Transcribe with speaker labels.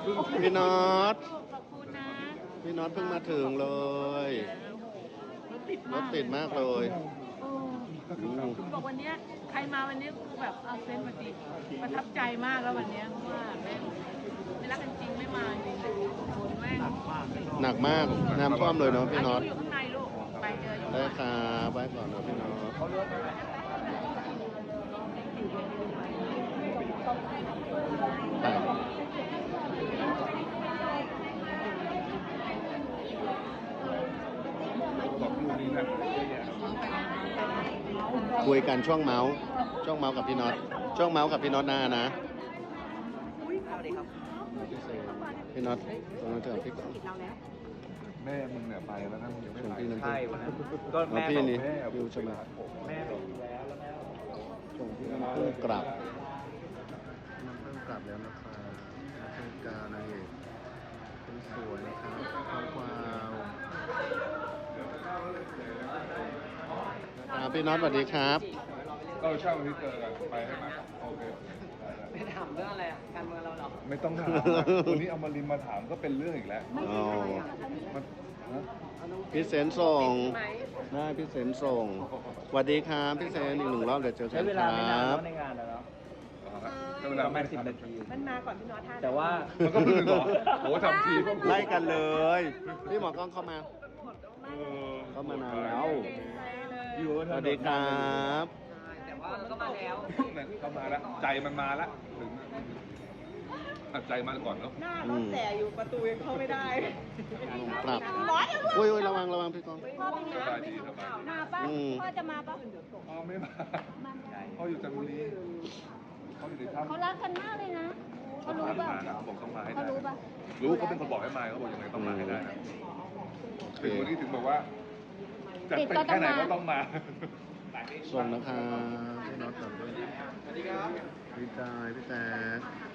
Speaker 1: พี่น็อต
Speaker 2: ขอบคุณนะ
Speaker 1: พี่น็อตเพิ่งมาถึงเลยรถติดมากเลย
Speaker 2: โอ้บอกวันเนี้ยใครมาวันนี้คือแบบเอาเซนต์มาดีประทับใจมากแล้ววันเนี้ยเพราะว่าแม่งไม่รักกันจริงไม่มาจริงคนแม่ง
Speaker 1: หนักมากน้ำท่วมเลยเนาะพี่น็อต
Speaker 2: อยู่ข้างในลูกไปเจออยู่
Speaker 1: ได้ครับไปก่อนเนาะพี่น็อตไปคุยกันช่วงเมาส์กับพี่น็อตช่วงเมาส์กับพี่น็อตนะพี่น็อตตรงนั้นเจอพี่ก่อน
Speaker 3: แม่มึงเนี่ยไปแล้วนะมึงยังไม่
Speaker 1: ชวน
Speaker 3: ไป
Speaker 1: พี่นั่น
Speaker 4: ใช่วันนั้นก็
Speaker 1: แม่
Speaker 4: แม่
Speaker 1: พี่
Speaker 4: บอก
Speaker 1: นี่
Speaker 3: แม่
Speaker 1: อยู่ใช่ไหม
Speaker 4: แม่บอกอยู่แล้วแล้วแม่
Speaker 1: ชวนพี่น้ำเพิ่งกลับน้ำเพิ่งกลับแล้วนะครับน้ำเพิ่งกานะเอกคนสวยนะครับข้าวควาวพี่น็อตสวัสดีครับ
Speaker 3: ก็เช่าวันที่เจอกันไปใช่ไหมโอเค
Speaker 4: ไม่ถามเรื่องอะไรการเมืองเราหรอ
Speaker 3: ไม่ต้องถามนะวันนี้เอามาริมมาถามก็เป็นเรื่องอีกแล้ว
Speaker 1: อ๋อ
Speaker 3: มันฮะ
Speaker 1: พี่เซนส่งได้พี่เซนส่งสวัสดีครับพี่เซนอีกหนึ่งรอบเดี๋ยวเจอกั
Speaker 4: ใช้
Speaker 1: น
Speaker 4: เว
Speaker 1: ค
Speaker 4: ลา
Speaker 1: รั
Speaker 4: ไม่นาน
Speaker 1: บ
Speaker 4: ในงานแล้วเนาะ
Speaker 3: เวลา
Speaker 4: ประมาณ10 นาที
Speaker 5: มันมาก่อนพี่น็อตท่า
Speaker 4: แต่ว่า
Speaker 3: มันก็เพิ่งบอกโอ้ทำทีก็
Speaker 1: ไล่กันเลย พี่หมอกล้องเข้ามา เข้ามานานแล้ว
Speaker 4: อยู่
Speaker 1: สวัสดีครับ
Speaker 4: แต่ว่าก็มาแล้ว
Speaker 3: เข้ามาแล้วใจมันมาแล้วถึงใจมาก่อนเนาะ
Speaker 5: หน้ารถแต่อยู่ประตูยังเข้าไม่ได้
Speaker 1: กลับอุ้ยระวังพี่กล้อง
Speaker 5: พ่อเป็นไง
Speaker 3: สบายดีสบายดี
Speaker 5: มาป่ะ พ่อจะมาป่ะ
Speaker 3: พ่อไม่มาพ่ออยู่จันทบุรีเขาอยู่ในถ้ำ
Speaker 5: เขารักกันมากเลยนะ เขารู้
Speaker 3: เขา
Speaker 5: ป่ะ
Speaker 3: มานะเขาบอกต้องมาให้
Speaker 5: เขา
Speaker 3: ได้
Speaker 5: รู้ป่ะ
Speaker 3: รู้เขาเป็นคนบอกให้มาเขาบอกยังไงต้องมาให้ได้นะถึงวันนี้ถึงบอกว่าจะเป็นแค่ไหนก็ต้องมา
Speaker 1: ส่งนะครับพี่น็อตก่อนด้วยสวัสดีครับพี่จายพี่แจ๊ค